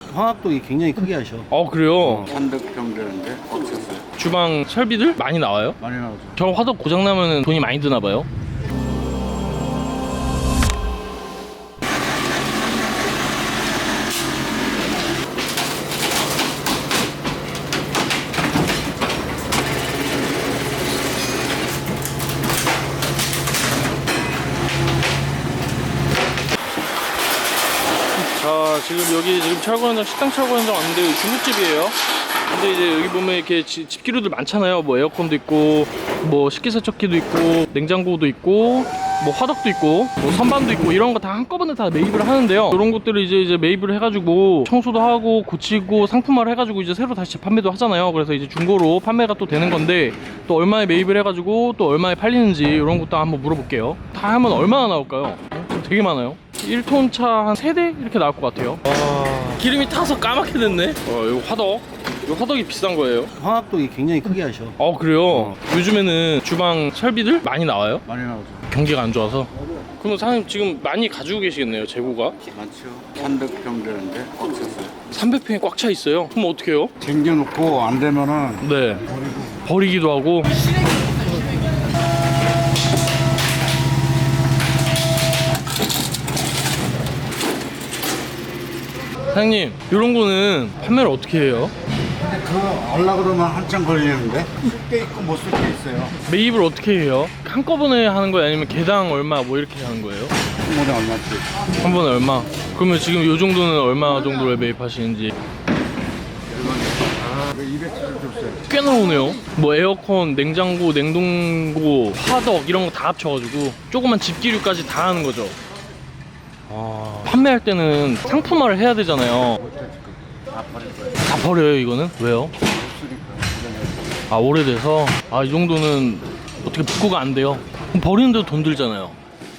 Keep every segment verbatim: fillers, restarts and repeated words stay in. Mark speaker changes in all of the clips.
Speaker 1: 화학도 굉장히 크게 하셔.
Speaker 2: 어 그래요?
Speaker 3: 삼백 평 되는데 없었어요.
Speaker 2: 주방 설비들 많이 나와요?
Speaker 3: 많이 나오죠.
Speaker 2: 저 화덕 고장 나면 돈이 많이 드나 봐요. 자, 지금 여기 지금 철거 현장, 식당 철거 현장 왔는데 여기 중국집이에요. 근데 이제 여기 보면 이렇게 지, 집기류들 많잖아요. 뭐 에어컨도 있고, 뭐 식기세척기도 있고, 냉장고도 있고, 뭐 화덕도 있고, 뭐 선반도 있고, 이런 거 다 한꺼번에 다 매입을 하는데요. 이런 것들을 이제 이제 매입을 해가지고 청소도 하고 고치고 상품화를 해가지고 이제 새로 다시 판매도 하잖아요. 그래서 이제 중고로 판매가 또 되는 건데 또 얼마에 매입을 해가지고 또 얼마에 팔리는지 이런 것도 한번 물어볼게요. 다 하면 얼마나 나올까요? 어, 되게 많아요. 일 톤 차 한 세 대 이렇게 나올 것 같아요. 와, 기름이 타서 까맣게 됐네. 어, 이거 화덕. 이거 화덕이 비싼 거예요.
Speaker 1: 화학도 굉장히 크게 하셔.
Speaker 2: 어 그래요? 요즘에는 주방 설비들 많이 나와요?
Speaker 3: 많이 나오죠.
Speaker 2: 경기가 안 좋아서. 그러면 사장님 지금 많이 가지고 계시겠네요, 재고가?
Speaker 3: 많죠. 삼백 평 되는데 없었어요.
Speaker 2: 삼백 평이 꽉 차 있어요? 그럼 어떡해요?
Speaker 3: 챙겨놓고 안 되면은
Speaker 2: 네. 버리기도 하고. 사장님, 이런 거는 판매를 어떻게 해요?
Speaker 3: 근데 그거 하려고 그러면 한참 걸리는데 쓸 때 있고 못 쓸 때 있어요.
Speaker 2: 매입을 어떻게 해요? 한꺼번에 하는 거예요? 아니면 개당 얼마 뭐 이렇게 하는 거예요?
Speaker 3: 한 번에 얼마씩?
Speaker 2: 한 번에 얼마? 그러면 지금 이 정도는 얼마 정도를 매입하시는지
Speaker 3: 아, 이백칠십 줬어요.
Speaker 2: 꽤 나오네요. 뭐 에어컨, 냉장고, 냉동고, 화덕 이런 거 다 합쳐가지고 조그만 집기류까지 다 하는 거죠. 아, 판매할 때는 상품화를 해야 되잖아요.
Speaker 3: 다 버릴 거예요.
Speaker 2: 다 버려요 이거는? 왜요?
Speaker 3: 못 쓰니까.
Speaker 2: 아 오래돼서? 아 이 정도는 어떻게 복구가 안 돼요? 그럼 버리는데도 돈 들잖아요.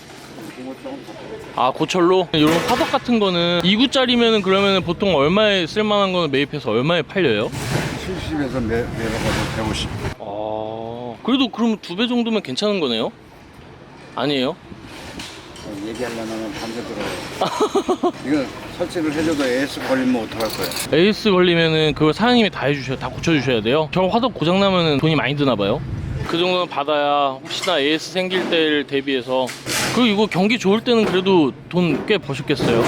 Speaker 2: 아 고철로? 이런 화덕 같은 거는 이 구짜리면은 그러면은 보통 얼마에 쓸만한 거는 매입해서 얼마에 팔려요?
Speaker 3: 칠십에서 내, 내려가서 백오십.
Speaker 2: 아 그래도 그러면 두 배 정도면 괜찮은 거네요? 아니에요?
Speaker 3: 얘기하려면 밤새 들어요. 이거 설치를 해줘도 에이에스 걸리면 어떡할 거야?
Speaker 2: 에이스 걸리면은 그걸 사장님이 다 해주셔야, 다 고쳐주셔야 돼요. 저 화덕 고장 나면은 돈이 많이 드나 봐요. 그 정도는 받아야 혹시나 에이에스 생길 때를 대비해서. 그리고 이거 경기 좋을 때는 그래도 돈 꽤 버셨겠어요.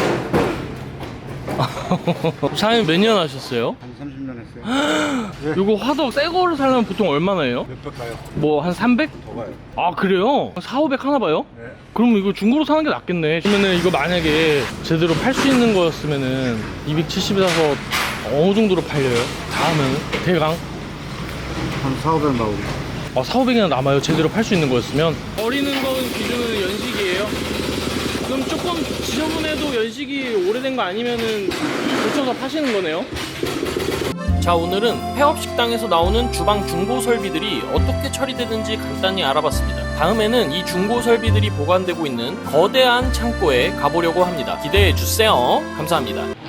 Speaker 2: 사장님 몇 년 하셨어요?
Speaker 3: 한 삼십 년 했어요.
Speaker 2: 이거 화덕 새 거를 사려면 보통 얼마나 해요?
Speaker 3: 몇백 가요?
Speaker 2: 뭐 한 삼백?
Speaker 3: 더 가요.
Speaker 2: 아 그래요? 사오백 하나 봐요?
Speaker 3: 네.
Speaker 2: 그럼 이거 중고로 사는 게 낫겠네. 그러면은 이거 만약에 제대로 팔 수 있는 거였으면은 이백칠십에 사서 어느 정도로 팔려요? 다 하면은 대강?
Speaker 3: 한 사오백 나오고.
Speaker 2: 아 사오백이나 남아요. 제대로 팔 수 있는 거였으면. 버리는 거는 기준은 연식이에요? 그럼 조금 지저분해도 연식이 오래된 거 아니면은 고쳐서 파시는 거네요? 자, 오늘은 폐업식당에서 나오는 주방 중고 설비들이 어떻게 처리되는지 간단히 알아봤습니다. 다음에는 이 중고 설비들이 보관되고 있는 거대한 창고에 가보려고 합니다. 기대해 주세요. 감사합니다.